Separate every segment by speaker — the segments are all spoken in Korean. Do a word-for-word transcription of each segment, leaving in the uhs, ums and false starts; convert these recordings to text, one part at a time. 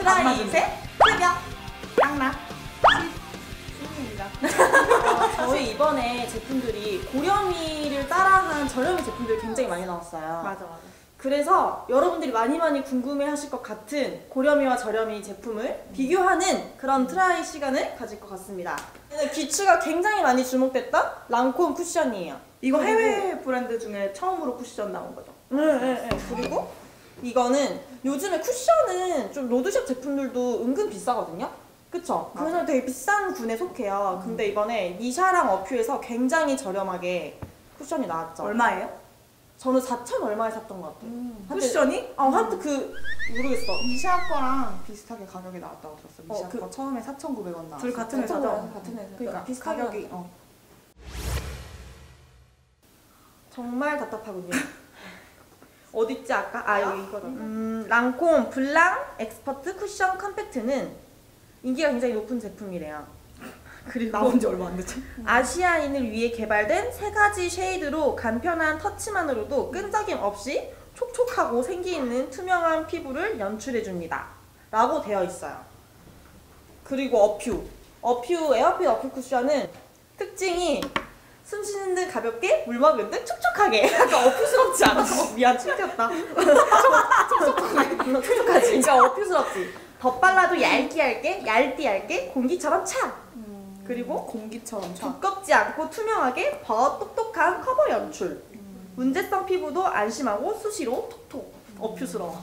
Speaker 1: 트라이셋, 새벽, 짱나,
Speaker 2: 수입니다.
Speaker 1: 어, 저희 이번에 제품들이 고렴이를 따라한 저렴이 제품들이 굉장히 많이 나왔어요.
Speaker 2: 맞아 맞아.
Speaker 1: 그래서 여러분들이 많이 많이 궁금해하실 것 같은 고렴이와 저렴이 제품을 음. 비교하는 그런 트라이 시간을 가질 것 같습니다. 귀추가 굉장히 많이 주목됐던 랑콤 쿠션이에요.
Speaker 2: 이거 해외 브랜드 중에 처음으로 쿠션 나온 거죠?
Speaker 1: 네, 네, 네. 그리고 이거는 요즘에 쿠션은 좀 로드샵 제품들도 은근 비싸거든요? 그쵸? 그래서 되게 비싼 군에 속해요. 음. 근데 이번에 니샤랑 어퓨에서 굉장히 저렴하게 쿠션이 나왔죠.
Speaker 2: 얼마예요?
Speaker 1: 저는 사천 얼마에 샀던 것 같아요.
Speaker 2: 음.
Speaker 1: 한때,
Speaker 2: 쿠션이?
Speaker 1: 어, 한때 그 모르겠어.
Speaker 3: 니샤 거랑 비슷하게 가격이 나왔다고 들었어.
Speaker 1: 어,
Speaker 3: 니샤
Speaker 1: 그,
Speaker 3: 거 처음에 사천구백 원 나왔어.
Speaker 2: 둘 같은 회사죠?
Speaker 1: 같은 회사.
Speaker 3: 그러니까
Speaker 1: 비슷하게
Speaker 3: 가격이 어.
Speaker 1: 정말 답답하군요. 어딨지 아까? 아 여기 이거다. 음, 랑콤 블랑 엑스퍼트 쿠션 컴팩트는 인기가 굉장히 높은 제품이래요. 그리고
Speaker 2: 나온 지 얼마 안 됐죠?
Speaker 1: 아시아인을 위해 개발된 세 가지 쉐이드로 간편한 터치만으로도 끈적임 없이 촉촉하고 생기 있는 투명한 피부를 연출해줍니다. 라고 되어 있어요. 그리고 어퓨. 어퓨 에어핏 어퓨 쿠션은 특징이 숨 쉬는 듯 가볍게, 물 먹은 듯 촉촉하게. 약간 어퓨스럽지 않아? 미안, 튕겼다. 촉촉하지? 그러니까 어퓨스럽지. 덧발라도 얇게 얇게, 얇디 얇게, 공기처럼 차.
Speaker 3: 음,
Speaker 1: 그리고
Speaker 3: 공기처럼 차.
Speaker 1: 두껍지 않고 투명하게 더 똑똑한 커버 연출. 음. 문제성 피부도 안심하고 수시로 톡톡. 음. 어퓨스러워.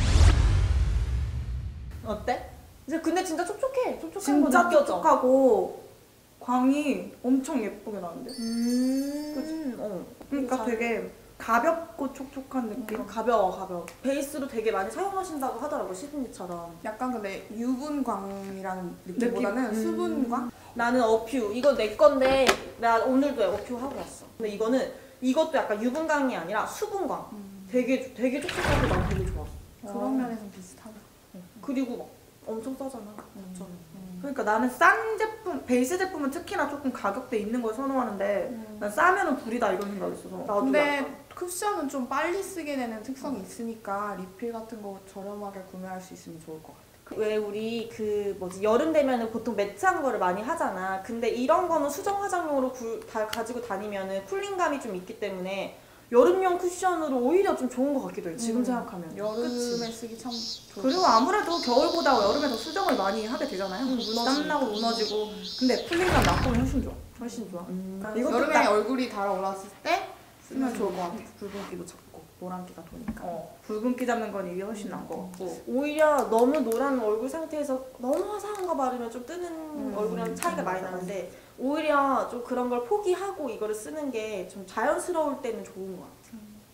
Speaker 1: 어때? 이제 근데 진짜 촉촉해. 촉촉한
Speaker 2: 진짜
Speaker 1: 거 느껴져.
Speaker 2: 촉촉하고 광이 엄청 예쁘게 나는데?
Speaker 1: 음. 그치? 어.
Speaker 2: 그러니까
Speaker 1: 잘...
Speaker 2: 되게 가볍고 촉촉한 느낌?
Speaker 1: 어, 가벼워 가벼워. 베이스로 되게 많이 사용하신다고 하더라고, 시드니처럼.
Speaker 3: 약간 근데 유분광이라는 느낌보다는
Speaker 2: 느낌?
Speaker 3: 수분광?
Speaker 1: 음. 나는 어퓨. 이거 내 건데 나 오늘도 어퓨 하고 왔어. 근데 이거는 이것도 약간 유분광이 아니라 수분광. 음. 되게 되게 촉촉하고 난 되게 좋았어.
Speaker 3: 그런 면에서는 비슷하다.
Speaker 1: 응. 그리고 막 엄청 싸잖아.
Speaker 3: 음.
Speaker 1: 음.
Speaker 2: 그러니까 나는 싼 제품, 베이스 제품은 특히나 조금 가격대 있는 걸 선호하는데
Speaker 3: 음.
Speaker 2: 난 싸면은 불이다 이런 생각이 있어서.
Speaker 1: 나도
Speaker 3: 근데
Speaker 1: 약간.
Speaker 3: 쿠션은 좀 빨리 쓰게 되는 특성이 있으니까 리필 같은 거 저렴하게 구매할 수 있으면 좋을 것 같아.
Speaker 1: 왜 우리 그 뭐지 여름 되면은 보통 매트한 거를 많이 하잖아. 근데 이런 거는 수정 화장용으로 구, 다 가지고 다니면은 쿨링감이 좀 있기 때문에 여름용 쿠션으로 오히려 좀 좋은 것 같기도 해. 지금
Speaker 3: 음,
Speaker 1: 생각하면.
Speaker 3: 여름에
Speaker 1: 그치?
Speaker 3: 쓰기 참 좋을
Speaker 2: 그리고
Speaker 3: 것 같아.
Speaker 2: 아무래도 겨울보다 여름에 더 수정을 많이 하게 되잖아요.
Speaker 1: 응, 무너지고.
Speaker 2: 땀나고 무너지고. 근데 쿨링감 낮고 훨씬 좋아.
Speaker 1: 훨씬 좋아.
Speaker 2: 음.
Speaker 1: 음.
Speaker 2: 이것도
Speaker 3: 여름에
Speaker 2: 딱
Speaker 3: 얼굴이 달아올랐을 때 쓰면 좋을 것 같아.
Speaker 2: 붉은기도 잡고 노란기가 도니까.
Speaker 1: 어.
Speaker 2: 붉은기 잡는 건 이게 훨씬 나은 것 같고.
Speaker 1: 오히려 너무 노란 얼굴 상태에서 너무 화사한 거 바르면 좀 뜨는
Speaker 3: 음,
Speaker 1: 얼굴이랑 차이가
Speaker 2: 음,
Speaker 1: 많이
Speaker 2: 맞아.
Speaker 1: 나는데 오히려 좀 그런 걸 포기하고 이거를 쓰는 게 좀 자연스러울 때는 좋은 것 같아.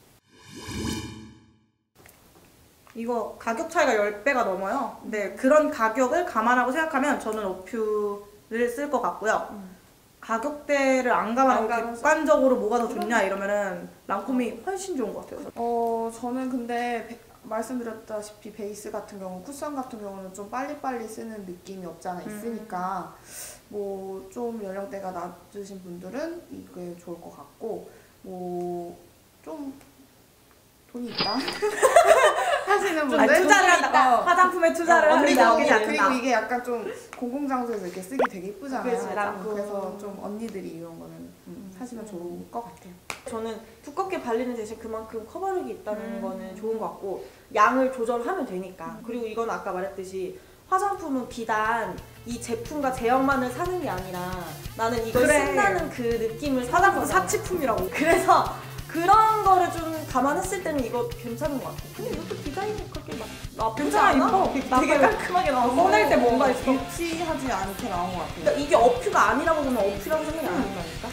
Speaker 2: 이거 가격 차이가 십 배가 넘어요. 근데 그런 가격을 감안하고 생각하면 저는 어퓨를 쓸 것 같고요.
Speaker 1: 음.
Speaker 2: 가격대를 안 감안하고
Speaker 1: 안 감아서.
Speaker 2: 객관적으로 뭐가 더 좋냐 이러면은 랑콤이 훨씬 좋은 것 같아요.
Speaker 3: 어, 저는 근데 베, 말씀드렸다시피 베이스 같은 경우, 쿠션 같은 경우는 좀 빨리빨리 쓰는 느낌이 없지 않아 있으니까 뭐 좀 연령대가 낮으신 분들은 이게 좋을 것 같고 뭐 좀 돈이 있다 하시는 분들
Speaker 2: 아니, 투자를 한다.
Speaker 3: 어.
Speaker 2: 화장품에 투자를
Speaker 3: 어,
Speaker 2: 하는
Speaker 3: 그리고,
Speaker 2: 게 아니지
Speaker 3: 그리고
Speaker 2: 않나.
Speaker 3: 이게 약간 좀 공공장소에서 이렇게 쓰기 되게 이쁘잖아요.
Speaker 1: 그치, 랑콤.
Speaker 3: 그래서 좀 언니들이 이런 거는 음, 사시면 좋을 것 같아요.
Speaker 1: 저는 두껍게 발리는 대신 그만큼 커버력이 있다는
Speaker 3: 음.
Speaker 1: 거는 좋은 것 같고 양을 조절하면 되니까. 그리고 이건 아까 말했듯이 화장품은 비단 이 제품과 제형만을 사는 게 아니라 나는 이걸
Speaker 2: 그래.
Speaker 1: 쓴다는 그 느낌을
Speaker 2: 화장품
Speaker 1: 사는 거잖아.
Speaker 2: 사치품이라고.
Speaker 1: 그래서 그런 거를 좀 감안했을 때는 이거 괜찮은 것 같아. 근데 이것도 디자인이 그렇게 막 나쁘지
Speaker 2: 괜찮아,
Speaker 1: 않아?
Speaker 2: 이뻐.
Speaker 1: 되게 깔끔하게 나와서
Speaker 2: 꺼낼 때 뭔가 있어.
Speaker 3: 유치하지 않게 나온 것 같아요.
Speaker 1: 그러니까 이게 어퓨가 아니라고 보면 어퓨라고 생각이 안 한다니까?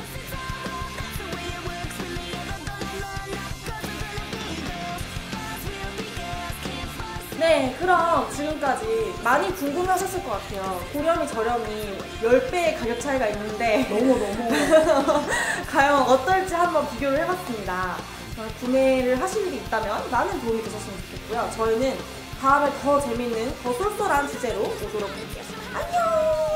Speaker 1: 네, 그럼 지금까지 많이 궁금하셨을 것 같아요. 고렴이 저렴이 십 배의 가격 차이가 있는데
Speaker 3: 너무 너무
Speaker 1: 과연 어떨지 한번 비교를 해봤습니다. 어, 구매를 하실 일이 있다면 많은 도움이 되셨으면 좋겠고요. 저희는 다음에 더 재밌는, 더 쏠쏠한 주제로 오도록 할게요. 안녕!